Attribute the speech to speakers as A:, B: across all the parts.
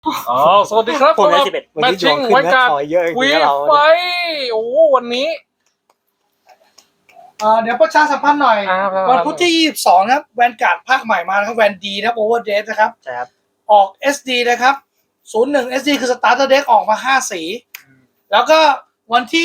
A: อ๋อสวัสดีครับ
B: ผมได้11
A: แมทชิ่งไว้การ
B: เยอะจริ
A: วี
B: งๆเรา
A: ไฟโอ้วันนี้
C: เดี๋ยวประชาสัมพันธ์หน่อย
A: ครับ
C: วันพุธที่ 22 นะครับแวนการ์ดภาคใหม่มานะครับแวนดีนะครับโอเวอร์เดนะครับ
B: ใช่ครับ
C: ออก SD นะครับ 01 SD คือสตาร์เตอร์เด็กออกมา 5 สี แล้วก็วันที่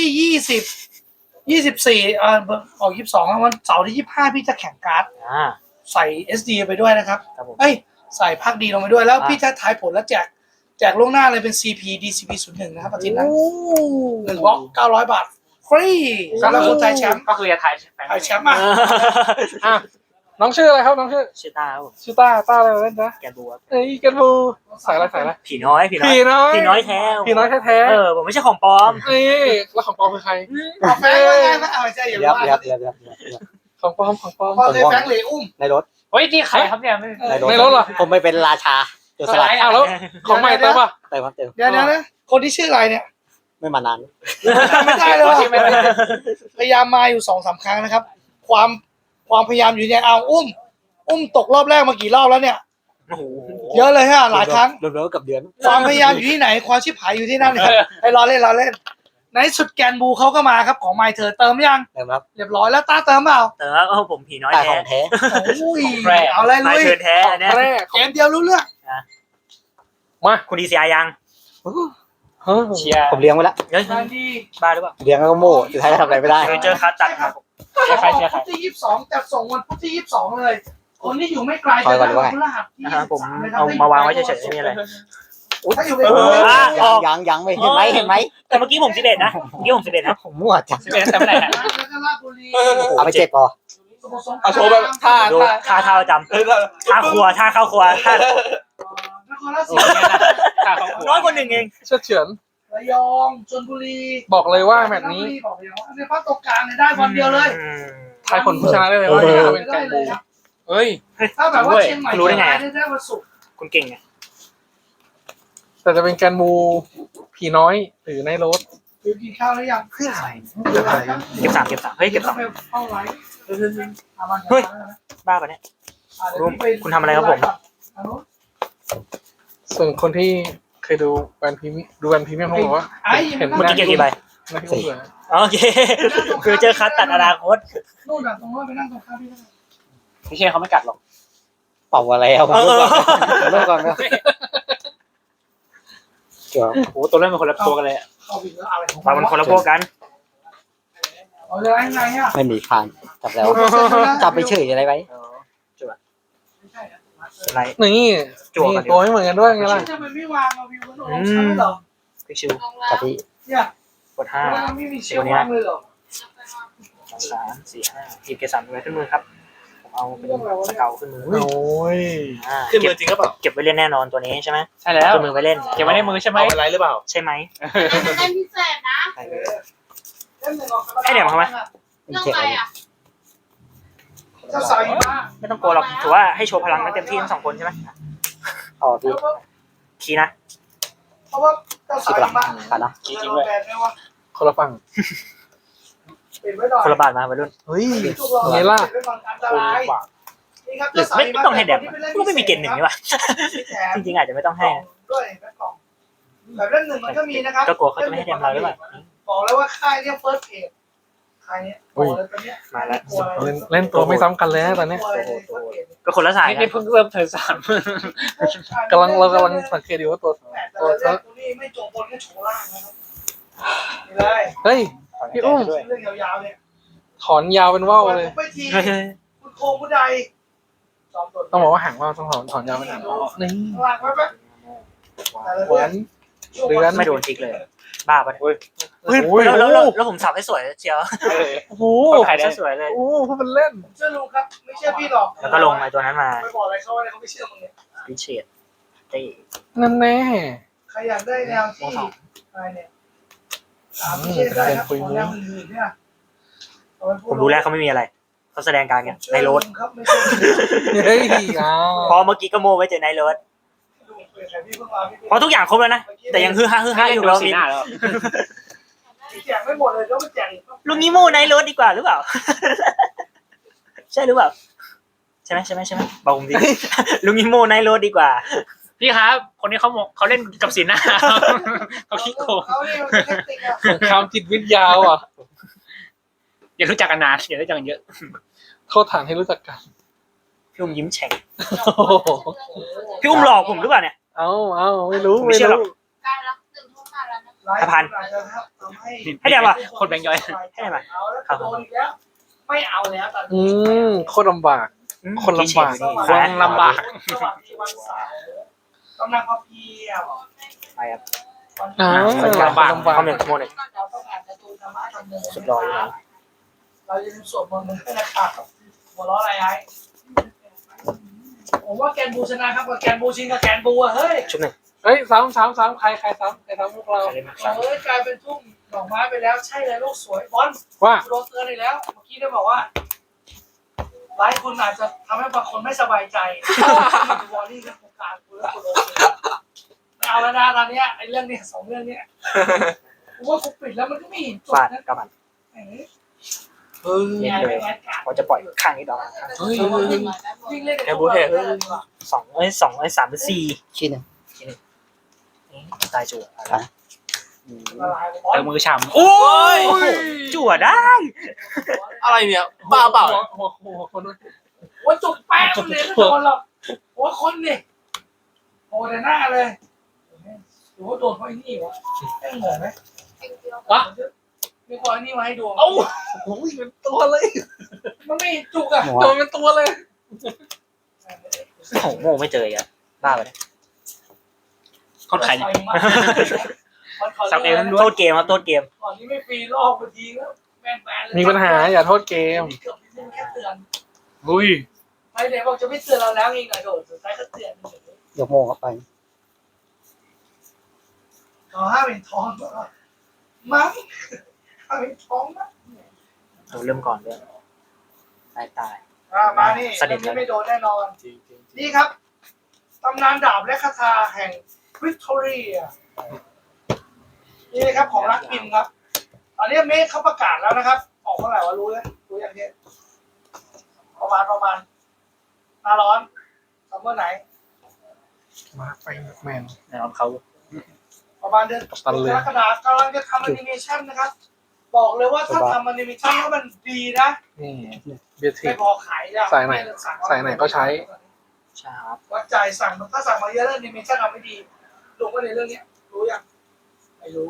C: 24ออก 22ครับวันเสาร์ที่ 25 พี่จะแข่งการ์ด ใส่ SD ไปด้วยนะครับ
B: ครับผม
C: เอ้ย ใส่ภาคดีลงไปด้วย แล้ว
B: อ่า
C: พี่จะทายผลแล้วแจกล่วงหน้าเลยเป็น CP DCP 01นะครับอาทิตย์นั้น1บล็อก900 บาท ฟรีสำหรับคนไทยแชมป์
A: ก็คือจะถ่าย
C: ไทยแชมป์อ่ะ
A: อ่ะน้องชื่ออะไรครับน้องชื่อ
B: ชื่อตาครับผม
A: ชื่อต้าอะไรเล่นนะ
B: แกนบัว
A: เอ้ยกันบูใส่อะไร
B: ผีน้อย
A: ผีน้อย
B: ผีน้อยแท้
A: ผีน้อยแท้
B: ผมไม่ใช่ของปลอม
A: ๆนี่แล้วของปลอมคือใคร
C: เอาแฟงว่าไงนะเอาใช่อย่า
B: เรียบ
C: ว่า
B: เรียบเรียบเรียบ
A: ของปลอม
C: พอเลยแฟงเหลยอุ้ม
B: ในรถ
D: เฮ้ยนี่ใครครับเนี่ยไม่
A: ในรถเหรอ
B: ผมไปเป็นราชาโจรสลัด
A: อ้าวแล้วของใหม่เติมป่ะ
B: เติมครับเติม
C: เดี๋ยวนะคนที่ชื่ออะไรเนี่ย
B: ไม่มานาน
C: ไม่ได้เลยว่ะพยายามมาอยู่2-3 ครั้งนะครับ ความพยายามอยู่เนี่ยเอาอุ้มตกรอบแรกมากี่รอบแล้วเนี่ย
B: โอ้โห
C: เยอะเลยฮะหลายครั้ง
B: รวมๆกับเดือน
C: ความพยายามอยู่ที่ไหนความชิบหายอยู่ที่นั่นครับไอ้รอเล่นในสุดแกนบูเขาก็มาครับของไมเธอเติมยัง
B: เติมครับ
C: เรียบร้อยแล้วตาเติมเปล่า
B: เติมครับผมผีน้อย
A: แต่
B: แท้
A: ของแท้
C: โอ้ยเอาอะไร
B: มา
C: ลุย
B: เชิญแท้เนี่ย
A: แรก
C: เกมเดียวรู้เรื่อง
A: มา
B: คุณดีซีอายัง
A: เฮ้ย
D: เชียร์
B: ผมเลี้ยงไว้แล้วเฮ้ย
C: งานดี
B: บ้าหรือเปล่าเลี้ยงแล้วก็โม่สุดท้ายก็ทำอะไรไม่ได้ เจอคัสตัดครับ
D: ใครเชียร์ใคร
C: พุธที่22จัดส่งวันพุธที่22เลย คนที่อยู่ไม่ไกล
B: คอยก่อนดีกว่า
C: พฤหัสที่
B: ผม
C: 23นะครับ
B: เอามาวางไว้เฉยๆไม่มีอะไร
C: ถ้าอยู่ใน
B: ยังไม่เห็นไหมแต่เมื่อกี้ผม11นะเมื่อกี้ผม11นะผมมั่วจัง
D: 11แต่เมื่อไหร่ฮะ
C: แล้วก็ราชบุรี
B: เอาไป7พอ
C: สมุทรสงคราม
A: เอาโชว์แบบท่า
B: ดูท่าประจำท่าครัวท่าเข้าครัวท่าน
C: ครราชสี
D: ข้าเขา
B: น้อยกว่า1เอง
A: เชื่อเฉือน
C: ระยองชลบุรี
A: บอกเลยว่าแมตช์นี้
C: บอกเลยว่าในภาคตรงกลางเนี่ยได้วันเดียวเลย
A: ทายผลผู้ชนะได้เลยว่าจะเป็นแกนบู
D: เฮ้ย
C: ถ้าแบบว่าเชียงใหม่
B: รู้ได้ไง
C: ได้วันศุกร์
B: คุณเก่งไง
A: แต่จะเป็นแกนบูผีน้อยหรือในรถ
C: คือกินข้าวหรือยัง
B: เก็บ3เฮ้ยเก็บ
C: ต้องไปเข้าไลฟ์
B: 2บ้าปะเนี่ย คุณทำอะไรครับผม
A: ส่วนคนที่เคยดูแวนพรีเมียมเขาบอกว่าเห็น
B: เมื่อกี้เก็บกี่ใบ
A: นะที่ผมเหลือ
B: โอเคคือเจอคัสตัดอนาคต
C: นู่นน่ะตรงนู้นไปนั่งตรงข้ามพี่ได้
D: พี่เชียร์เขาไม่กัดหรอก
B: เป่าอะไรเอาเริ่มก่อนนะเกี่ยว
D: โอ้ตัวเล่นเป็นคนละตัวกันเลยอะ
C: เข้าไปแล้วอะไรของ
B: มามันคนละพวกกัน
C: เอาจะไงอ่ะ
B: ไม่มีผ่านจับแล้วจับไปเฉยอะไรไว้
C: ไม่ใช่อ่ะ
B: อะไร
A: นี่ตัวไม่เหมือนกันด้วยไงล่ะ
C: ทำไมไม่วางเอาวิวมันลงชั้นเหรอ
B: พิชิวจับที่
C: เนี่ย
B: กด5
C: มันไม่มีเชือกวางเลยเหรอ
B: 3 4 5ทีมเกส3ไว้ขึ้นมือครับผมเอาเป็นสเกลขึ้นมือ
A: โอ้ย
D: ขึ้นมือจริงก็เปล่า
B: เก็บไว้เล่นแน่นอนตัวนี้ใช่ไหม
D: ใช่แล้ว
B: ขึ้นมือไว้เล่น
D: เก็บไว้ในมือใช่ไหม
A: เอาอะไรหรือเปล่า
B: ใช่ไหม
E: เล่นพิเศษนะ
B: ให้เดี๋ยวมาทำไม
E: เรื่องอะไรอ่ะ
C: จะใส่มา
B: ไม่ต้องกลัวหรอกถือว่าให้โชว์พลังกันเต็มที่ทั้ง2คนใช่ไหมอ๋อพี่คีนะ
C: เพราะว่าจะใส่มา
B: ขาดนะ
C: จริงๆเลย
A: คนละฝั่ง
C: ปิดไว้หน่อย
B: คนละบาทมาไปรุ่น
A: เฮ้ยไงล่ะ
C: ปิดไว้ก่อนอันตรายนี่ครับ
B: หรือไม่ต้องให้แดมก็ไม่มีเกณฑ์1นี่วะจริงๆอาจจะไม่ต้องให้
C: ด้วยแบบกล่องแบบเล่นหนึ่งมันก็มีนะครับ
B: ก็กลัวเขาจะไม่ให้แดมเราหรือเปล่า
C: บอกแล้วว่าค่ายเนี่ยเฟิร์สเพจค่ายเนี้ยบอกเลยตอนเนี้ย
B: มาแล้ว
A: เล่นตัวไม่ซ้ำกันเลยนะตอนนี้
B: ก็คนละสาย
D: นี่เพิ่งเริ่มเทิร์นสาม
A: เรากำลังสังเกตอยู่ว่าตัว
C: ตัวเรื่องนี้ไม่โจบนก็โฉล่างนะครับนี่เลย
A: เฮ้ยพี่อุ้ม
C: เรื่องยาวๆเนี่ย
A: ถอนยาวเป็นว่าวเลย
C: ไปทีคุณโคผู้ใด
A: ต้องบอกว่าหางว่าวต้องถอนยาวเป็นหางว่าวนี่
C: หลักไว้ไหม
A: หวาน เดือน
B: ไม่โดนทิกเลย บ้าปะเนี่ย
A: โอ้ย
B: แล้วผมสับให้สวยเชียว
A: โอ้โห
B: ถ่ายได้สวยเลย
A: โอ้โหพูดเป็นเล่น
C: เชื่อลุงครับไม่เชื่อพี่หรอก
B: แล้วก็ลงไอ้ตัวนั้นมา
C: ไม่บอกอะไรเขาว่าเขาไม่เชื่อมึงเนี่ย
B: พิเชษเต้
A: นั่นแน่
C: ใครอยากได้แนวที่อะไรเนี่ยถามพี่เชื่อได้ครับของแนวอื่นๆเนี่ย
B: ผมรู้แล้วเขาไม่มีอะไร เขาแสดงการกันในรถ
C: ครับไม่ใช่
A: เฮ้ยอ้าว
B: พอเมื่อกี้ก็โมไว้เจอในรถพอทุกอย่างครบแล้วนะ แต่ยังฮือฮาอยู่
D: ดู
B: เรา
D: สีหน้าแล้ว
C: แจกไม่หมดเลยต้องไปแจกอีก
B: ลุงนี้โมในรถดีกว่าหรือเปล่า ใช่หรือเปล่า ใช่ไหมบอกผมดิ ลุงนี้โมในรถดีกว่า
D: พี่ครับ คนนี้เขาเล่นกับสีหน้าเขาขี้โกง
C: เขาเนี่ยมันเป็นเทคนิคอะ
A: สงครามจิตวิทยาอ่ะ
D: อย่ารู้จักกันนานอย่ารู้จักกันเยอะ
A: โทษฐานให้รู้จักกัน
B: พี่อุ้มยิ้มแฉ่ง
A: โอ้โห
B: พี่อุ้มหลอกผมหรือเปล่าเนี่ย
A: เอาไม่รู้
B: ไม่เชื่อหรอก
E: ใกล้ละ1 ทุ่มมาแล้วนะ
B: ให้เดี๋ยวว่ะ
D: คนแบงค์ย่อย
B: ให้ไหม
C: เอาแล้วโดนอีกแล้วไม่เอาแล้วตอน
A: อื
C: นี้
A: โคตรลำบาก คนลำบาก
D: คนลำบาก
C: สวัสดีวันเสาร์กำลังพอเพียบ
B: ไปครับ
A: อ่า
D: ลำบาก
B: ข้อหนึ่งโมหนึ่ง
C: เราต้องอ่านการ์ตูนธรรมะธรรมโม
B: สุดรออยู่นะ
C: เราจะเป็นสวดมนต์ด้วยนะครับหัวเราะอะไรไอ้ผมว่าแกนบูชนะครับกับแกนบูชิงกับแกนบูอะเฮ้ย
B: ชุดหนึ่ง
A: เฮ้ยซ้ำใครซ้ำพวกเรา
B: ใครเล่นมา
C: เฮ้ยกลายเป็นทุ่งดอกไม้ไปแล้วใช่เลยลูกสวยบอล
A: ว่า
C: โดนเตือนอีกแล้วเมื่อกี้ได้บอกว่าหลายคนอาจจะทำให้บางคนไม่สบายใจวอลลี่กับโครงการคุณแล้วคุณโดนเตือนไม่เอาแล้วนะตอนเนี้ยไอ้เรื่องเนี้ย2 เรื่องเนี้ยกูว่ากูปิดแล้วมันก็ไม่เห็นจบ
B: ฟาด
C: นะ
B: กระบัน
A: เฮ้ย
C: เนี่ยไม่งั้นการ
B: เขาจะปล่อยข้างนี้ดอก
A: เฮ้ย
C: ยิ่งเล่น
B: แกบูเทส 2 3 เป็น 4
F: ชิ้นหนึ่ง
B: ตายจั่ว
C: ละลาย
D: เติมมือฉ่ำ
B: โอ้ยจั่วได้
G: อะไรเนี่ยบ้าเปล่า
A: หัวคนนู้น
C: ว่าจุกแป้งมันเลยไม่โดนหรอกหัวคนนี่โอ้แต่หน้าเลยหรือว่าโดนเพราะไอ้นี่วะแม่งเหมือนไหม
A: วะ
C: มีคนเอานี่มาให้ดู
A: เอ้าโอ้ยเป็นตัวเลย
C: มันไม่จุกอะ
F: หัว
A: โดนเป็นตัวเลย
B: โอ้โง่ไม่เจออีกอะบ้าไปเลย
D: คนขายเนี่ย
C: สับเอ
B: โทษเกมครับโทษเกม
C: ก่อนที่ไม่ฟรีลอกไปทีแล้วแม่งแบนเลย
A: มีปัญหาอย่าโทษเกม
C: เกือบนิดนึงแค่เตือน
D: อุ้ย
C: ไม่เลยบอกจะไม่เตือนเราแล้วเองหน่อยโดดสุดท้ายก็เตือน
F: ยกโมงเข้าไป
C: ขอห้าเป็นทองมั้งห้าเป็นทองมั้ง
B: เราเริ่มก่อนด้วยตาย
C: มานี่
B: สนิท
C: นี้ไม่โดนแน่นอนนี่ครับตำนานดาบและคาถาแห่งวิกตอเรียนี่นะครับของรักพิมพ์ครับตอนนี้เมฆเขาประกาศแล้วนะครับ ออกเมื่อไหร่วะรู้ยังเนี่ยประมาณหน้าร้อนซัมเมอร์ไหน
A: มาไปแมน
D: นะครับเขา
C: ประมาณเดือน
A: ตันเลย
C: กรกฎาคมกำลังจะทำแอนิเมชันนะครับ บอกเลยว่าถ้าทำแอนิเมชันแล้วมันดีนะ
A: นี่เบียร์ทิ
C: ไม่
A: ก
C: พอขายอะ
A: ใส่ไหนก็ใช้
B: ใช่ครับ
C: วัดใจสั่งถ้าสั่งมาเยอะแล้วแอนิเมชันทำไม่ดีลงไปในเรื่องเนี้ยรู้ยังไม่รู้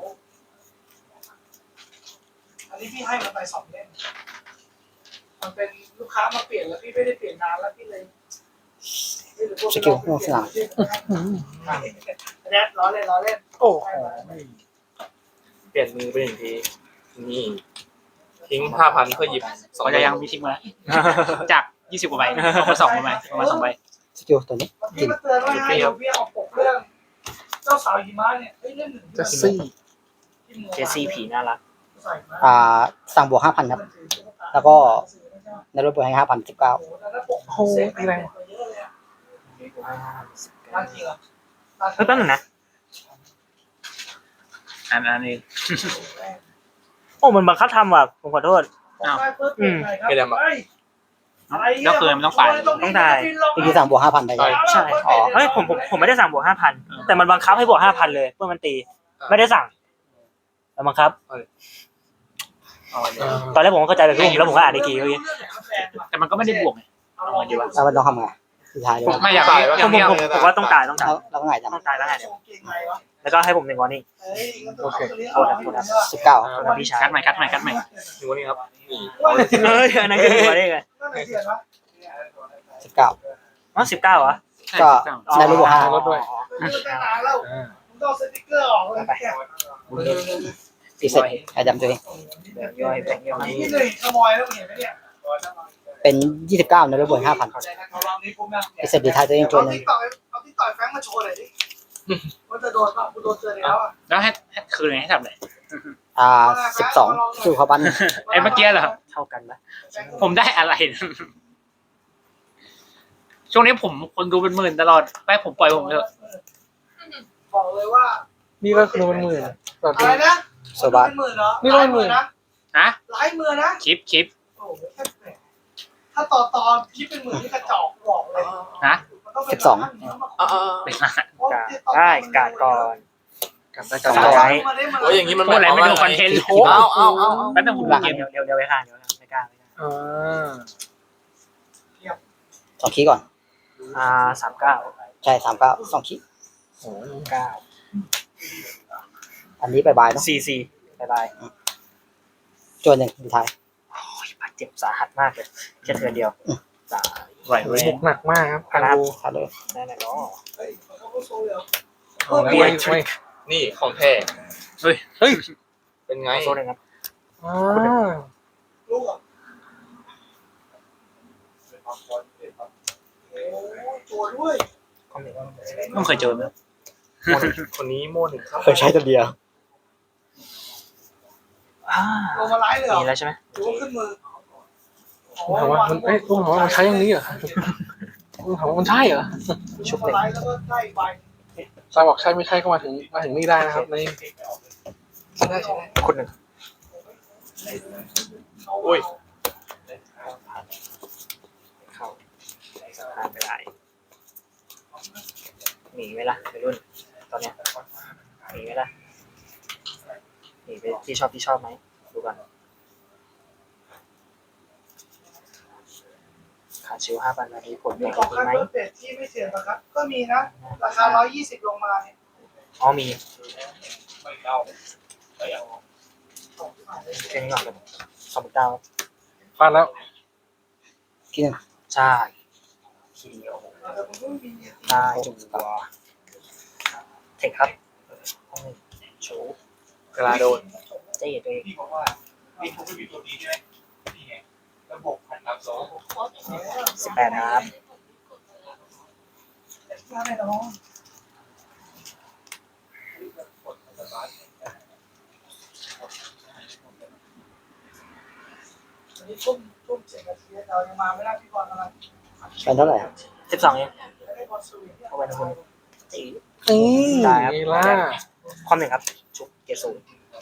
C: อันนี้พี่ให้มันไป2 เล่มมันเป็นลูกค้ามาเปลี่ยนแล้วพี่ไม่ได้เปลี่ยนนานแล้วพี่เลย
F: สกิลลงสนาม
C: แดดล้อเล่น
A: โอ้โห
G: เปลี่ยนมือไป1 ทีนี่ทิ้ง 5,000 เพื่อหยิบ
D: เขาจะยังมีทิ้งมาจาก20 กว่าใบเอามา2 ใบประมาณ2 ใบ
F: สกิลตัวนี้
C: พี่มาเตือนว่าให้เอาพี่เอาปกเรื่อง เจ้าสาวหิมะเนี่ยเล่ม 1
A: เจสซี่
B: เจสซี่ผีน่ารัก
F: สั่งบวก5,000ครับ แล้วก็ ในรถบวกให้5,000 19
A: โอ้โหตีแรง
C: ร้านจริงเหรอ
B: เฮ้ยแป๊บนึงนะ
D: อันนี้
B: โอ้มันบังคับทำว่ะผมขอโทษ
D: แล้วคือมันต้องฝ่าย
B: ต้องจ่าย
F: อีกทีสั่งบวก5,000ไปใช่ไหม
B: ใช่อ๋อเฮ้ยผมไม่ได้สั่งบวก5,000แต่มันบังคับให้บวก5,000เลยเพื่อมันตี ไม่ได้สั่งแล้วบังคับ ตอนแรกผมก็เข้าใจแบบพี่แล้วผมก็อ่านอีกทีเมื่อกี้
D: แต่มันก็ไม่ได้บวกไง
F: แล้วมันต้องทำไงสุดท้ายเลย
D: ไม่อยาก
B: ผมว่าต้องตาย
F: แล้วก็ไงจัง
B: ต้องตายแล้วไงเดี๋ยวแล้วก็ให้ผม1 วอร์นิ่ง
F: 19
B: ครับพี่ชาย
D: คัดใหม่
G: ดูนี่ครับนี่
B: เฮ้ยอันนั้นคือ1 วอร์นิ่งไง
F: 19
B: อ๋อ19เหรอ
F: ก็ได้รถบวก
A: รถด้วย
C: ต้องสติ๊กเกอร์ออกเลย
F: 5อีเซ็ตใครจำตัวเอง
B: แบ่งย่อย
C: นี่เลยขโมยแล้วเห็นไหมเนี่ย
F: เป็น29ในรถบวก5,000อีเซ็ตดีท้ายตัวเองตัวหนึง
C: เอาที่ต่อยแฟงมาโชว์หน่อยดิว่าจะโดนป่ะกูโดนเตือนแล้วอ่ะ
D: แล้วให้คืนให้ทำอะไร
F: 12สู้เขาบ้าน
D: ไอ้เมื่อกี้เหรอ
B: เท่ากันปะ
D: ผมได้อะไร ช่วงนี้ผมคนดูเป็นหมื่นตลอดไปผมปล่อยผมเถอะ
C: บอกเลยว่า
A: นี่ก็คือเป็นหมื่นต่อ
C: อะ
A: ที
C: ไรนะ
F: โซบา
C: เป็นหมื่นเหรอ
A: นี่ร้อยหมื่น
C: นะ
D: ฮะ
C: หลายหมื่นนะ
D: คลิป
C: โอ้โหถ้าต่อคิดเป็นหมื่นที่กระจอกบอกเลย
D: ฮะ
C: มัน
F: 12
D: เป็นรหัส
B: กาดได้กาดก่อน
A: กันได้
B: ส
A: กัน
B: อง
A: ได้
B: ไว้
G: โอ้ยอย่างนี้มัน
D: พูดอะไรไม่ดูคอนเทนต์
G: เอา
D: แป๊บนึงผมดูเกม
B: เดี๋ยวไปข้างไม่กล้า
A: อ่า
F: 2 คีย์ก่อน
B: 39
F: ใช่ 39 2 คีย์
A: โอ้ย
F: อันนี้บายๆเนาะ
B: 44บาย
F: จวนหนึ่งดีท้าย
B: บาดเจ็บสาหัสมากเลยแค่เทือนเดียวตาย
D: ไหว
A: โอ้
D: เว้
A: ย
D: ย
A: บุกหนักมากครับกันบู
F: ขาดเลย
B: ได้ไหมเนาะ
A: เอาแล้วไม่
G: นี่ของแท้
A: เฮ้ย
G: เป็นไง
B: โซนหนึ่งครับ
A: อ่า
C: ลูกอ่ะตัวด้วย
B: ข้อหนึ่ง
D: ต้องเคยเจอไหม
G: คนนี้โม่หนึ่งครับ
F: เคยใช้ตัวเดียว
C: ลงมาไล่เลยเหรอ
B: มีแล้วใช่ไหม
C: หรือว่าขึ้นมือ
A: ลุงถามว่ามันลุงถามว่ามันใช้อย่างนี้เหรอลุงถามว่ามันใช่เหรอ
C: ชุบมาไล่แล้วก็ได้ใบ
A: ซาบอกใช่ไม่ใช่ก็มาถึงนี่ได้นะครับนี่ใช่ได้
B: คนหนึ่ง
G: อุ้ย
B: เข้าผ่านไปได้หนีไหมล่ะวัยรุ่นตอนเนี้ยหนีไหมล่ะหนีไปที่ชอบไหมดูก่อนขาดชิว5,000นาทีผล
C: มี
B: เป็น
C: ของ
B: ดี
C: คัน
B: ไหม
C: เบอร์เป็ดที่ไม่เถื่อนนะครับ ก็มีนะ ราคา120ลงมาเนี่ย
B: อ๋อมีแค่นี้ก่อนเลย29
A: พลาดแล้ว
F: คีย์หนึ่ง
B: ใช่ทีเดียว
C: แต่ผมก็มี
B: ได้จุดตัวเทคครับห้องหนึ่งโชว์
G: เวลาโดน
B: เจ๊ตัวเอง
C: พี่บอกว่ามีทุกมีตัวนี้ใช่ไหมนี่ไงระบบพันรับสอง
B: 18นะครับ
C: น่าแน่นอนอันนี้ทุ่ม7 นาทีเรายังมาไม่ได้พี่บอลกำลัง
F: เป็นเท่าไหร่อะ
B: 12เอง
C: ไม่ได้บอลสวิงเนี่ย
B: เข้าไปนะคุณจี
A: นี่
B: ได้ครับ
A: นี่ล่ะ
B: ความหนึ่งครับ ชุบเกสู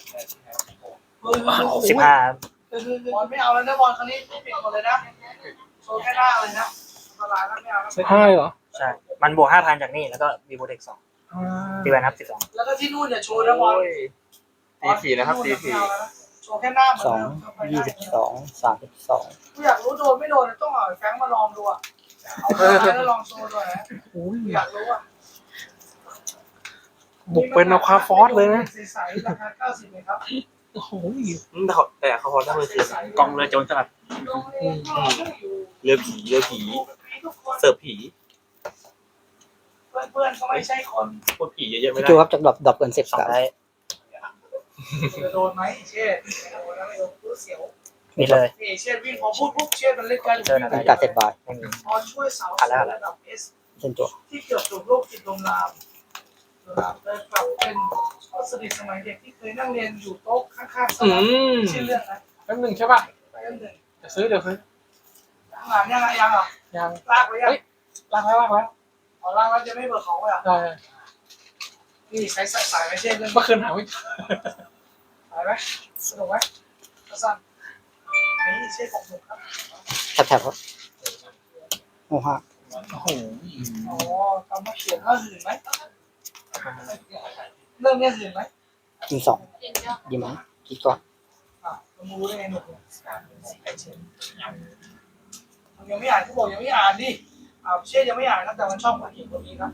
B: 15
C: บอลไม่เอาแล้วนะบอลครั้งนี้ปิดหมดเลยนะโชว์แค่หน้าเลยนะตลาดแล้วไม่เอาแล้ว
A: ใช่ให้เหรอ
B: ใช่ มันบวก 5,000 จากนี่แล้วก็มีโปรเทค2
A: อ่า
B: ตีแวนครับ
C: แล้วก็ที่นู่นเนี่ยโชว์นะบอล
G: ตีผีนะครับตีผี
C: โชว์แค่หน้าเหมือน
F: สอง
C: เดิม
F: 22 32
C: กูอยากรู้โดนไม่โดนต้องเอาแฟงมาลองดูอ่ะเอาไปแล้วลองโชว์ด้วยนะ
A: อุ้ย
C: อยากรู้อ่ะ
A: บุกเป็นเอาคาฟอสเลยนะ
C: ใสๆราคา90เลยครับ
A: โอ้โห
G: แต่เขาพอทำมือคืน
D: กองเรือโจรสลัด
G: เรือผีเสิร์ฟผี
C: เพื่อนๆเขาไม่ใช่คน
G: พูดผีเยอะๆไม่
F: พี่
G: ได้
F: จูครับจากดรอปเกิน10
B: 2
F: กับ
B: ได้
C: จะโดนไหมเช่โดนแล้วไม่โดนกูเสียว
B: มีเลย
C: นี่เช่วิ่งพอพูดปุ๊บเช่มันเล่นกัน
F: เป็นการเซตบาย
B: ไม่มี
C: พอช่วยเสาระดับ S
F: เช่นตัว
C: ที่เกือบจบโลกจิตลมลามเลยกลับเป็นสนิทสมัยเด็กที่เคยนั่งเรียนอยู่โต๊ะข้างๆสนามชื่อเรื่องนะ
A: แป๊บหนึงใช่ป่ะ
C: เรื่องหนึ่ง
A: จะซื้อเดี๋ยวซื้อ
C: งานยังเหรอ
A: ยัง
C: ลากไปยัง
A: ล้างแล้วล้างแล้ว
C: อ๋อลากแล้วจะไม่เบิกของเลยอ่ะ
A: ได้
C: นี่ใช้สายไม่ใช่เรื่อง
A: เมื่อคืนหาไม่เจอ
C: สายไหมสนุกไหมสั้นนี่ใช่ของหนุ่มครับ
F: แถบครับโอ้ฮะ
A: โอ้โห
C: อ๋อคำว่าเขียนว่าหื่นไหมเรื่องนี้หื่นไหม
F: ยิง2ยิงไหมคิดก่อน
C: มึงรู้ได้ไงหนุ่มยังไม่อ่านเขาบอกยังไม่อ่านดิเช่ยังไม่อ่านครับแต่มันชอบคนเขียนคนนี้ครับ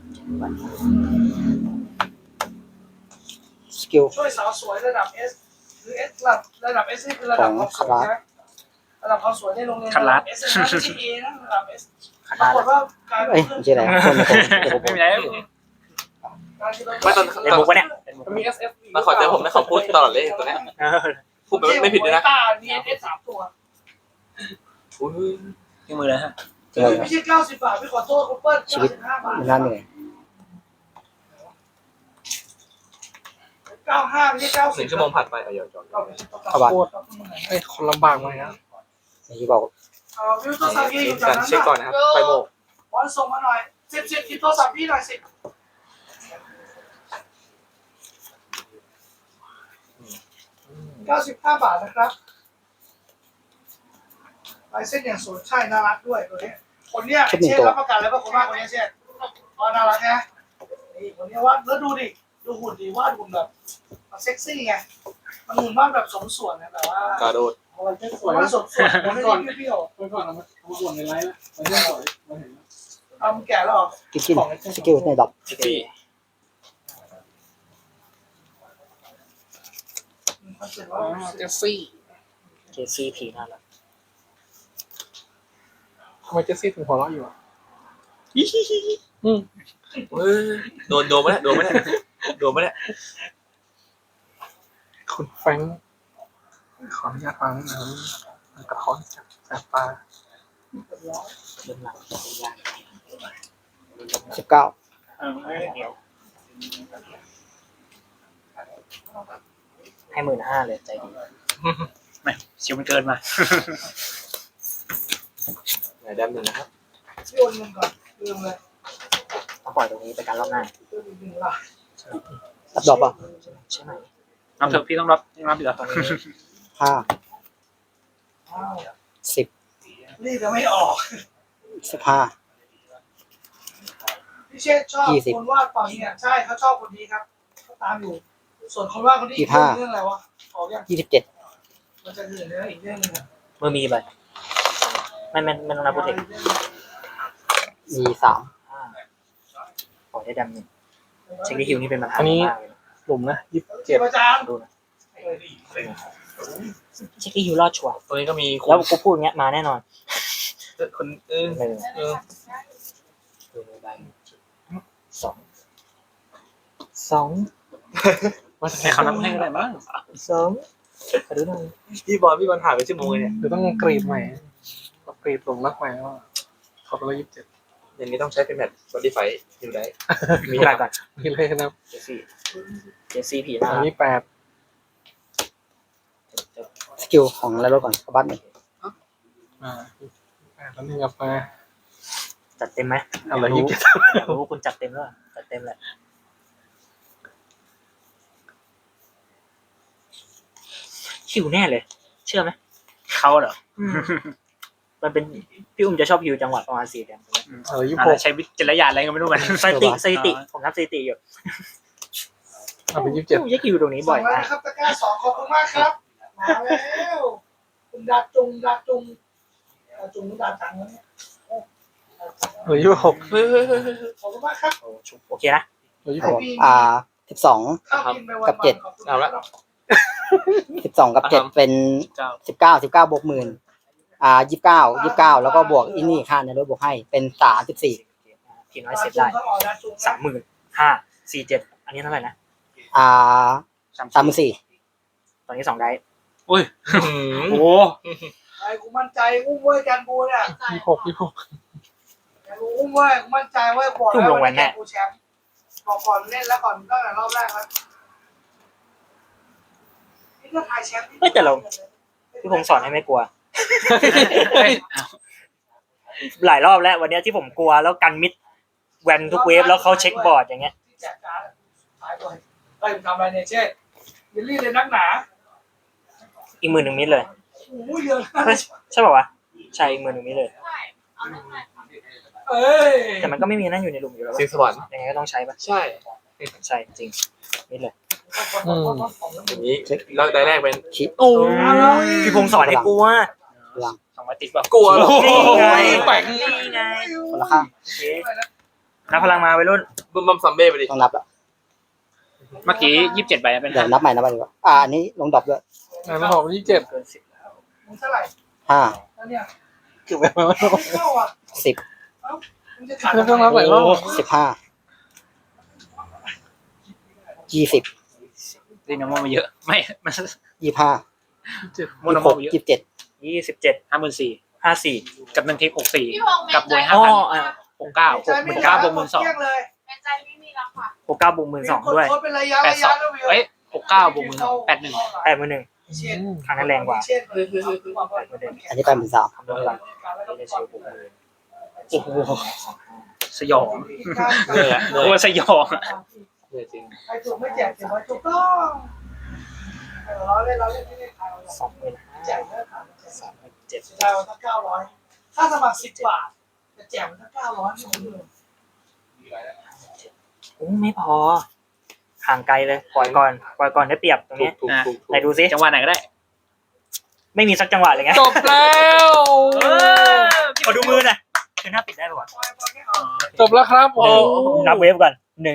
F: สกิล
C: ช่วยสาวสวยระดับ S หรือ S ระดับ S นี่คือระดับความสวยใช่ไหมระดับความสวยในโรงเรียนระดับ S นะไม่ใช่ A นะระดับ S ปรากฏว่ากลาย
F: เอ้ย
C: เป็น
F: ไม่ใช่อะไรคนเดี๋ยวผม
D: ไม่มีอะไร
G: ไม่ตอน
B: เป็นมุกปะเนี่ย
A: มันมี SF
G: มาขอเจอผมนะเขาพูดตลอดเลยตัวเนี้ยพูดไม่ผิดเลยนะ
C: ตามี S 3ตัว
G: อุ้ย
D: ที่มือเลยฮะ
F: เจอ
C: ไม่ใช่90 บาทพี่ขอโทษคุณเปิ้ล95 บาท
F: มันน่าเหนื่อย
C: 95ไม่ใช่90
G: 1 ชั่วโมงผ่านไปเอาอย่าจอด
A: โคตรเฮ้ยคนลำบากเลยนะ
F: ที่บอก
C: วิวโทรศัพท์พี่อยู่จาก
G: การ
C: นั้น
G: เช็คก่อนนะครับไปโมก
C: บอลส่งมาหน่อย10คิดโทรศัพท์พี่หน่อย10 95 บาทนะครับลายเส้นอย่างสวยใช่น่ารักด้วยตัวนี้คนเนี้ยเช่นรับประกันแล้วว่าคนมากคนนี้เช่นก็น่ารักนะนี่คนนี้ว่าแล้วดูดิดูหุ่นดีวาดหุ่นแบบมันเซ็กซี่ไงมันหุ่นวาดแบบสมส่วนนะแบบว่าก
G: ระโดด
C: มันสมส่วนมันไม่ได้เปรี้ยว
A: ไปก่อนเอามาส่วนในไลฟ์แล้วมาเที่ยวก่อนมาเห็นแล้ว
C: ๆเอามันแก่แล้วเหรอ
F: กินสกิลในดอก
G: ซิตี้
C: มันเสร็จแล้ว
A: เจสซี่
B: เจสซี่ผีน่ารัก
A: ทำไมเจสซี่ถึงหัวเราะอยู่อ่ะ
G: เฮ้ยโดนมาแล้วโดนมาแล้ว
A: คุณแฟรงค์ขออนุญาตฟังนิดนึงมันกระท้อนจากแสบตา
B: เริ่มหลังยาก
F: 19
B: เดียวให้15,000เลยใจดี
D: ไม่เชียวมันเกินมา
G: ไหนแดมหนึ่งนะครับ
C: พี่โอนเงินก่อนลืมเลย
B: ต้องปล่อยตรงนี้ไปการรอบหน้า
C: ลืมอีกหนึ่งละ
F: รับดอกป่ะ
B: ใช่ไหม
D: รับเถอะพี่ต้องรับอยู่แล้ว
B: ตรงนี้
F: 5
C: อ้าว
F: 10
C: รีบจะไม่ออก
F: 15
C: พี่เชษชอบคนวาดฝั่งนี้ใช่เขาชอบคนนี้ครับเขาตามอยู่ ส่วนคนวาดคนนี้เรื่องอะไรวะออกยัง
F: 27
C: มันจะเหลือเนื้ออีกเรื่องนึง
B: เมื่อมีไปไม่ต้องนับโปรเทค
F: E3
B: ขอได้ดำหนึ่งเช็คดีฮิวนี่เป็นปัญหา
A: อันนี้
B: มากเลย
A: หลุมนะ
C: เจ็
A: 27
C: บอาจารย์
B: ดูนะเช็คดีฮิวรอดชัวร์
G: ตัวนี้ก็มีค
B: แล้ว
G: น
B: กูพูดอย่างเงี้ยมาแน่นอน
G: คน
B: หนึ่ง ดูใบสอง
A: มา
D: ให้เขานับให้ก็ได้บ้าง
B: สองขอดูหน่อย
G: พี่บอลถ่ายไปชั่วโมงเลยเนี่ย
A: เดี๋ยวต้องกรีดใหม่ต้องกรีดหลุมรักใหม่ว่าขอตัวละ27
G: อย่างนี้ต้องใช้เป็นแบบ Spotify อยู่ได้
B: มีอะไรก่อน
A: มีเลยนะ
B: เจสซี่ผีหน้า
A: อันนี้8
F: สกิลของแล้วก่อนกระบัดหนึ่ง
A: 8แล้วนึงกลับมา
B: จัดเต็มไหม
A: เอาเลย
B: อยากรู้ว่าคุณจัดเต็มหรือเปล่าจัดเต็มแหละหิวแน่เลย เชื่อไหม
D: เขาเหรอ
B: มันเป็นพี่อุ้มจะชอบฮิวจังหวะประมาณ4 เดือน
A: เอาเลย
D: อะไรใช้วิจารณญาณอะไรก็ไม่รู้มัน
B: สถิติผมนับสถิติอยู่
A: เอาไป
B: พี่อุ้มจะฮิวตรงนี้
C: ส่
B: บ่อง ย
C: แล้ว
B: มาก
C: นะครับตะกร้า2ขอบคุณมากครับมาแล้วคุณดาจุงดาจุงดาจังเนี่ย
A: 27เหลือ26
G: เฮ้ย
C: ขอบคุณมากครับ
B: โอเคนะ
A: เหลือ
F: 12
C: ข้าวกินไปวัน
F: กับเจ็ด
G: เอาละ
F: 12 กับ 7 เป็น 19บวก 10,000 29 แล้วก็บวกอินนี่ค่าในรถบวกให้เป็น 34
B: ทีน้อยเสร็จได้35,000 47,000อันนี้เท่าไหร่นะ
F: 34
B: ตอนนี้2 ได้
D: อุ้ย
G: โอ้
D: โอ้
C: ไอ้กูมั่นใจอุ้มเว้ยกันบูเนี่ย
A: 26
C: อุ้มเว้ยกูมั่นใจเว้ยบอกแล้วว่าจะกูแชมป์บอกก่อนเล่นแล้วก่อนตั้งแต่รอบแรกแล้วนี่ก็ทายแชมป์
B: พี่ผมสอนให้ไม่กลัว หลายรอบแล้ววันนี้ที่ผมกลัวแล้วกันมิดแวนทุกเวฟแล้วเขาเช็คบอร์ดอย่างเงี้ย
C: ที่แจกการ์ดทายด้วยเฮ้ยมึงทำอะไรเนี่ยเช่ยินลี่เลยนักหนา
B: อีก10,000มิดเลย
C: โอ้ยเยอะ
B: ใช่ป่าวะใช่อีก10,000มิดเลย
E: ใช่เอาเรื่องใหม่
C: เอ้ย
B: แต่มันก็ไม่มีนั่นอยู่ในหลุมอยู่แล้ว
G: สิงสวรรค์
B: ยังไงก็ต้องใช้ปะ
G: ใช่
B: ใช่จริงมิดเลย
G: อย่างนี้แล้วได้แรกเป็น
F: ชิป
B: โอ้พี่พงศ์สอนให้กลัว
F: หลัง
D: 200ติดป่ะ
G: กลัวเหรอ
B: นี่ไง
G: แปลก
B: นี่ไง
F: คนละข้าง
B: โอเคนับพลังมาไปรุ่น
G: บัมซัมเบ้ไปดิ
F: ต้องนับแล้ว
D: เมื่อกี้27ใบเป็น
F: เดี๋ยวนับใหม่ดีกว่าอันนี้ลงดอกด้วย
A: แล้วผม27
B: เกิน10แล้ว
C: มึงเท่าไหร่
F: 5
C: แล้วเนี่ย
A: เก็บไว้แล้ว
C: ไม่เข้าอ่ะ
F: 10
C: มึงจะขาด
A: แล้วต้องรับหลายรอบ
F: 15 20
D: ดีนะมันมาเยอะไม่มัน
F: 25
D: โมโนโมเยอะ
F: 27
B: 27
D: 54,000
B: 54
D: กับ1เทค64
E: พี่พงษ์
D: กับบวย
B: อ๋อ
D: 5,000 69
C: ใจไม่
D: 69บวก
C: เที่ยงเลย
E: ในใจไม่มีแล้วค่ะ
B: 69บวก12ด้วย
C: โคตรเป็นระยะ
D: 82
C: แล้ววิว
D: เอ้ย69บวก81
B: 81ครั้งนั้นแรงกว่า
F: อันนี้83,000
B: คำนวณก่อนที่จะใช้บวกมือ
D: โอ้โหสยอง
G: เหนื่อยอะเหนื่
D: โอ้
G: อย
D: สยอง
G: เหนื่อยจริง
C: ใครถูกไม่แจกเก็บไว้ถูกต้องเราเล่นไม่ได้ขาย
B: 25,000
C: แจกเนื้อขาย
B: 37
C: เสียดายวันละ900ค่าสมัคร10 บาทจะแจกวันละ900ไม่คุ้มเลย
B: โอ้ไม่พอห่างไกลเลยปล่อยก่อนได้เปรียบตรงนี้
G: ถูก
B: ไหนดูซิ
D: จังหวะไหนก็ได้
B: ไม่มีสักจังหวะเลยไง
A: จบแล้ว
B: ขอดูมือหน่อยคือหน้าปิดได้ป่ะ
A: จบแล้วครับโอ้
B: นับเวฟก่อน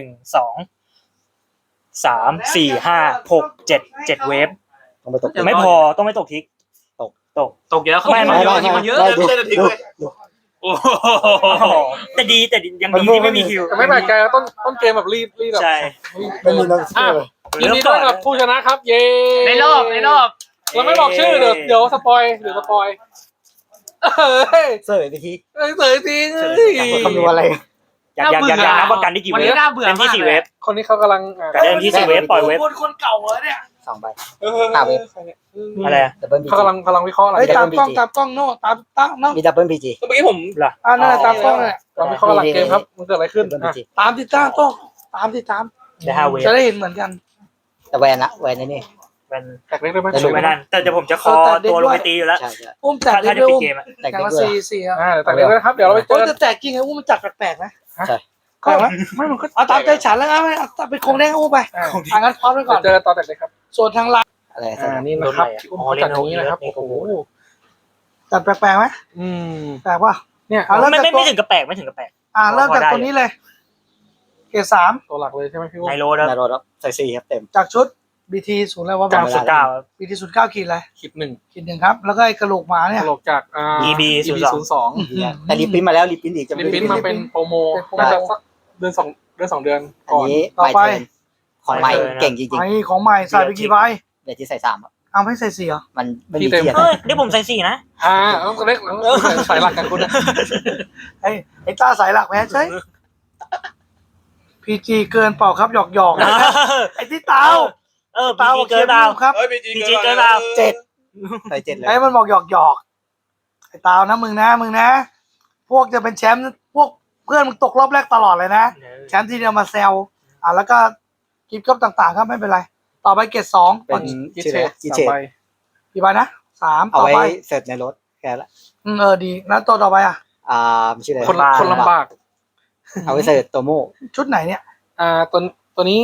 B: 1 2 3 4 5 6 7 เวฟ
F: ต้องไปตก
B: ไม่พอต้องไม่ตกทิกตก
D: เยอะเขา
B: ไม่
D: เยอะมันเยอะ
F: ได้ดูดู
D: โอ้โห
B: แต่ดียังดีที่ไม่มีคิว
A: แต่ไม่แปลกใจว่าต้นเกมแบบรีบแบบ
B: ใช่
F: ไม่มีนักสู้เลย
A: ยินดีด้วยกับผู้ชนะครับ เย้
D: ในรอบ
A: เราไม่บอกชื่อเดี๋ยวสปอยเดี๋ยวสปอยเฮ้ย
F: เสิร์ฟไปที
A: เสยจริง
F: คำนวณอะไร
B: อยากนับว่ากันได้กี่
D: วัน
B: เว
D: นี้
B: ฟ
D: น่าเบื่อ
B: เต็ม
D: มา
B: ที่
D: ก
B: 4
D: เล
B: เวย ฟ
A: คนนี้เขากำลัง
B: กันเต็มที่4 เวฟปล่อยเวฟ
C: คนเก่าเหรอเนี่ย
F: 2 ใบ
B: อะไรอะ
F: ดับเบิลบี
A: เขากำลังวิเคราะห์อะไร
C: เฮ้ยตามกล้องโน่ตามโน่
F: มีดับเบิลบีจี
G: เมื่อกี้ผม
C: นั่นแหละตามกล้องเนี่ย
A: กำลังวิเคราะห์หลังเกมครับมันเกิดอะไรขึ้น
F: ดับเบิลบีจี
C: ตามติดตามต้องตามติดตาม
B: ได้5 เวฟ
C: จะได้เห็นเหมือนกัน
F: แต่แวนละแวนนี่
B: เป็น
A: แตกเล็กได้ไหม
B: ไม่นั่นแต่เดี๋ยวผมจะคอตัวลงไปตีอยู่แล้ว
F: ใช่ใช่
C: อุ้มแจก
B: ถ้า
C: เด็ก
B: จะ
C: ด้วย
B: ปิด
C: อุ้ม
B: เกมอะ
F: แต่
C: อย่าง
F: ก็
C: ละ
F: ด้วย
C: สี่อ่ะ
A: แตกเล็กด้วยนะครับเดี๋ยวเราไปเจ
C: โอ้
A: อ
C: จะแจกจริงไงอุ้มมันจัดแปลกๆนะ
F: ใช่
C: แปลกไหมไม่มันก็เอาตามใจฉันแล้วเอาเป็นคงแดงอุ้มไปทางนั้นพร้อมไว้ก่อน
A: เจอตอนแตกเล็กครับ
C: ส่วนทางไลน์
F: อะไร
A: นี่นะครับที่อุ้มจัดอย่างนี้นะครับโอ้โห
C: จัดแปลกๆไหม
A: อืม
C: แปลกป่ะ
A: เนี่ย
C: เริ่มจากตัว
B: ไม่ถึงกับแปลกไม่ถึงกับแปลก
C: เริ่มจากตัวนี้เลย เกรด3
A: ตัวหลักเลยใช่ไหมพี่อุ้ม
B: ไนโรดครับ
F: นารถใส่4ครับเต็ม
C: จากชุด BT ศูนย์อะไรวะ
B: จำสุดเก้า
C: BT 09ขีดอะไร
A: ขีดหนึ่ง
C: ขีด1ครับแล้วก็ไอ้กระโหลกหมาเนี่ย
A: ตลกจาก
B: EB
F: แต่รีพิมพ์มาแล้วรีพิมพ์อีกจะ
A: ลิปปิ้นมาเป็นโปรโมน่าจะสักเดือน2 เดือน
F: อัน
A: ก่อน
F: นี้
C: ต่อไป
F: ของใหม่เก่งจริง
C: ไอ้ของใหม่ใส่ไปกี่ใบ
F: ๆเดี๋ยวที่ใส่3ครับ
C: เอาไม่ใส่4เหรอ
F: มันไม่มีเทียน
B: เฮ้ยเดี๋ยวผมใส่4นะ
A: ต้องเล็กสายหลักกันคุณนะ
C: ไอ้ตาสายหลักแพ้ใช่ PG เกินเปล่าครับหยอกไอ้ที่เตา
B: พีจีเกินเปล่า
C: ครับ
B: พีจีเกินเปล่า
F: ใส่7เลย
C: ไอ้มันบอกหยอกไอ้เตานะมึงนะพวกจะเป็นแชมป์พวกเพื่อนมึงตกรอบแรกตลอดเลยนะแชมป์ทีเดียวมาแซวแล้วก็กิฟต์ก็ต่างๆครับไม่เป็นไรต่อไปเกรด2
F: เป็น
A: กิ
F: ชื่อ
A: เช
F: อะไร
A: ต
F: กิ
A: สา
F: เช
A: ม
F: ต
A: ใบ
C: กี่ใบนะ3
F: เอา
C: ต่อ
F: ไว้
C: ไป
F: เสร็จในรถแค่ละ
C: ดีแล้วตัวต่อไปอ่ะ
F: ชื่ออะไร
A: คนลำบาก
F: เอาไว้เสร็จตัวโม่
C: ชุดไหนเนี่ย
A: ตัวนี้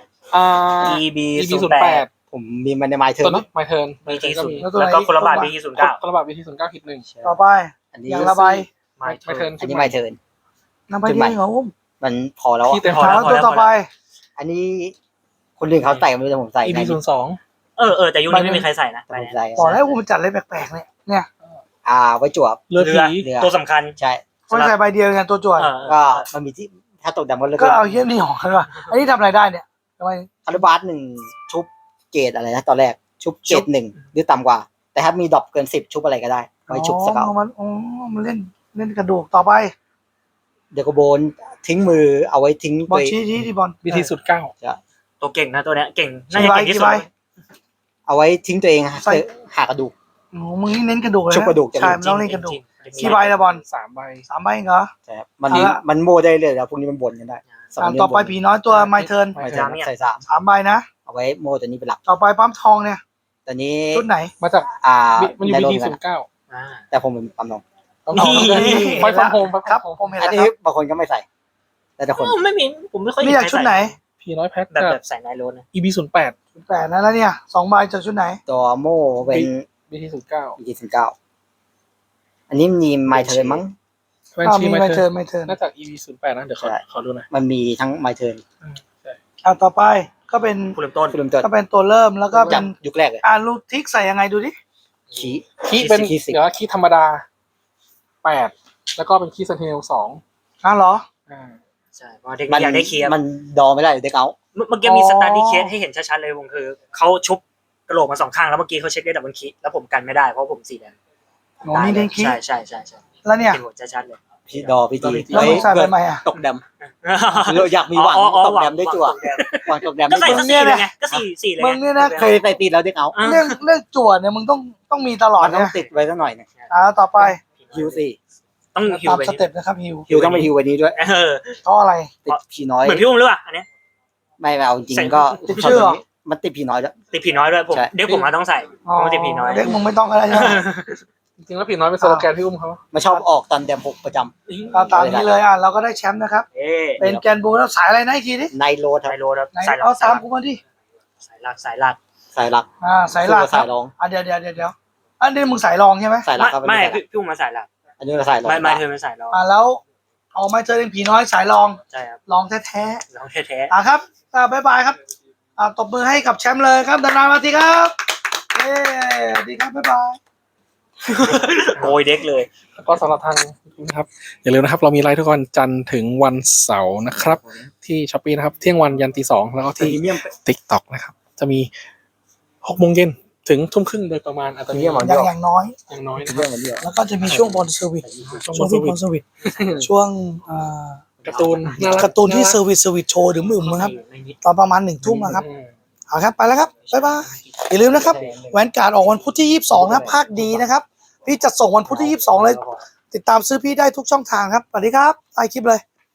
B: EB
A: 0
B: 08
F: ผมมีมันในไมล์เทิ
A: ตัว
F: ร์น
A: นี้ไมเทิร์น
B: BT
A: ก็มี
B: 0แล้วก็คนละบาท BT 09
A: คนละบาท BT 09ขีดหนึ่ง
C: ต่อไป
F: อันนี้
C: อย่างละใบ
A: ไมเทิร์น
F: อันนี้ไมล์เทิร์น
C: นำไปที่เหรออุ้ม
F: มันพอแล้ว
A: ที่เต็ม
C: แล้วตัวต่อไป
F: อันนี้คนอื่นเขาใส่ไม่รู้แต่ผมใส่
A: EB 02
B: แต่ยุคนี้ไม่มีใครใส่นะ
F: ผมใส่
C: บอกแล้วอุ้มมันจัดอะไรแปลกๆเนี่ย
F: ไว้จวบ
A: เรือผี
B: ตัวสำคัญ
F: ใช่
C: ไม่ใส่ใบเดียวกันตัวจวด
F: ก็มันมีที่ถ้าตกดำก็เลิก
C: ก็เอาเยี่ยมนี่ของกันว่ะอันนี้ทำอะไรได้เนี่ยทำไม
F: คาร์บาส1ชุบเกรดอะไรนะตอนแรกชุบเกรด1หรือต่ำกว่า แต่ถ้ามีดรอปเกิน10ชุบอะไรก็ได้ไว้ชุบสเกล
C: มันเล่นกระดูกต่อไป
F: เดี๋ยวก็โบนทิ้งมือเอาไว้ทิ้ง
C: บอล
F: ไป
C: ชี้ที่บอล
A: BT 09
B: ตัวเก่งนะตัวเนี้ยเก่งน่าจะเก่งที่สุด
F: เอาไว้ทิ้งตัวเองหากระดูก
C: โอ้มึงนี่เน้นกระดูกเลย
F: ชุบกระดูกจะ
C: ใช่มันต้องเล่นกระดูกกี่ใบละบอล
A: 3 ใบ
C: 3 ใบเหรอ
F: ใช่ครับมันโมได้เลยแล้วพวกนี้มันบนกันได้
C: ต่อไปผีน้อยตัวไมเทิร์น
F: ไม่ใช่ใส่
C: 3
F: 3
C: ใบนะ
F: เอาไว้โมตัวนี้เป็นหลัก
C: ต่อไปปั๊มทองเนี่ย
F: ตอนนี้
C: ชุดไหน
A: มาจาก มันอยู่
F: ในโรง
A: BT
F: กัน
A: 09
F: แต่ผมเป็นปั๊มนม
A: ไฟฟอร์มโฮม
C: ครับผมเห็น
F: อัน
C: แล้ว
F: นี้
C: ครับ
F: บางคนก็ไม่ใส่ แต่คน
B: ไม่มีผมไม่ค่อย
C: นี่อยากชุดไหน
A: ผีน้อยแพ็ค
B: แบบใส่ไนโรดนะ
A: EB 08
C: 8นะแล้วเนี่ย2 ใบจากชุดไหน
F: ตัวโมเป็น
A: BT 09
F: 29อันนี้มีไมเทิร์นมั้ง
A: แวนชี
C: มี
A: ไม
C: ไม
A: เทิ
C: เทิ
A: ร์
C: ร์
A: น
C: นไมเทิร์น
A: น่าจะ EB 08นะเดี๋ยวขอดูหน่อย
F: มันมีทั้งไมเทิร์น
C: ต่อไปก็เป็น
B: ผู้เริ่มต้น
F: คุณลุงเติร์
C: ก็เป็นตัวเริ่มแล้วก็เป็
F: จาก
C: น
F: ยุคแรกเลย
C: ลูกทิกใส่ยังไงดูดิ
F: ขี้
A: คีเป็น
F: คี10
A: เดี๋ยวคีธรรมดา8แล้วก็เป็นคีเซนเทล2
C: เหรอ
B: ใช่เพราะเด็กอยากได้เคลียร์
F: มันดอไม่ได้เด็กเอา
B: เมื่อกี้มีสตาร์ดี้เคสให้เห็นชัดๆเลยวงคือเขาชุบกระโหลกมา2ข้างแล้วเมื่อกี้เขาเช็คได้ดับเบิลคิแล้วผมกันไม่ได้เพราะผมสีแดง
C: โอ้นี่เน้นคิก
B: ใช่
C: แล้วเนี่ย
B: เห็นหมดชัดๆเลย
F: พี่ดอพี่จี
C: แล้วมึงใส่ไปไหมอ่ะ
F: ตกดำเราอยากมีหวังตกดำด้วยจั่วหวังตกดำ
B: ก็ใส่
F: ด้วย
B: สักสี่เลยไงก็สี่เลย
C: มึงเนี่ยนะ
F: เคยใส่ตีแล้วเด็กเอา
C: เรื่องจวดเนี่ยมึงต้องมีตลอด
F: มันต้อ
C: นะ
F: งติดไว้สักหน่อยนึง
C: ต่อไป
F: ฮิวสี่
B: ต้องฮิว
C: ตาม
B: ไป
C: สเต็ปนะครับฮิว
F: ฮิวต้องไปฮิววันนี้ด้วย
C: เพราะอะไร
F: ติดผีน้อย
B: เหมือนพี่อุ้มหรือเปล่าอันนี้
F: ไม่เอาจริงก็
C: ติดชื่อเหรอ
F: มันติดผีน้อยแล้ว
B: ติดผีน้อยด้วยผมเด็กผมมาต้องใส่เพราะมันติดผีน้อย
C: เด็กมึงไม่ต้องอะไรใช่ไหม
A: จริงๆแล้วผีน้อยเป็นสโลแกนพี่อุ้มเขา
F: ไม่ชอบออกตอนแดม6ประจ
C: ก็ตามนี้เลยเราก็ได้แชมป์นะครับ
B: เอ๊ะ
C: เป็นแกนบูแล้วสายอะไรนะอีกทีดิ
F: ำในโรดค
B: ไท
F: รับ
B: โรครับ
C: ไหน
B: สายหลั
C: เอา
B: ก
C: ตามกูมาดิ
B: สายหลักสายหลัก
F: สายหลัก
C: สายหลัก
F: สายรอง
C: เดี๋ยวอันนี้มึงสายรองใช่ไหม
F: สายหลักครับ
B: ไม่
F: อันนี้
B: พี่อุ้มมาสายหลัก
F: อันนี้สายรอง
B: ไม่เธอเป็นสายรอง
C: แล้วเอาไม่เจอเป็นผีน้อยสายรอง
B: ใช่ครับ
C: รองแท้
B: รองแท้
C: ๆครับบ๊ายบายครับตบมือให้กับแชมป์เลยครับนานๆมาทีครับเย้ดีครับบ๊ายบาย
B: ๆโกยเด็กเลย
A: แล้วก็สำหรับทางนะครับอย่าลืมนะครับเรามีไลฟ์ทุกวันจันทร์ถึงวันเสาร์นะครับ ที่ช้อปปี้นะครับเที่ยงวันยันตี 2แล้วก็ที่ TikTok นะครับ จะมี6 โมงเย็นถึงทุ่มครึ่งโดยประมาณอาจจะมี
C: อย่างน้อย
A: อย่างน้อยนะค
F: เรื่
A: รั
F: อบ งมันเดียว
C: แล้วก็จะมีช่วงบอลเซอร์วิสช่วงที่บอลเซอร์วิสช่วง
A: การ์ตูนน่ารั
C: การ์ตูนที่เซอร์วิสโชว์หรือมึมนะครับตอนประมาณ1 ทุ่มนะครับเอาครับไปแล้วครับบ๊ายบายอย่าลืมนะครับแหวนการ์ดออกวันพุธที่22นะภาคดีนะครับพี่จะส่งวันพุธที่22เลยติดตามซื้อพี่ได้ทุกช่องทางครับสวัสดีครับใต้คลิปเลย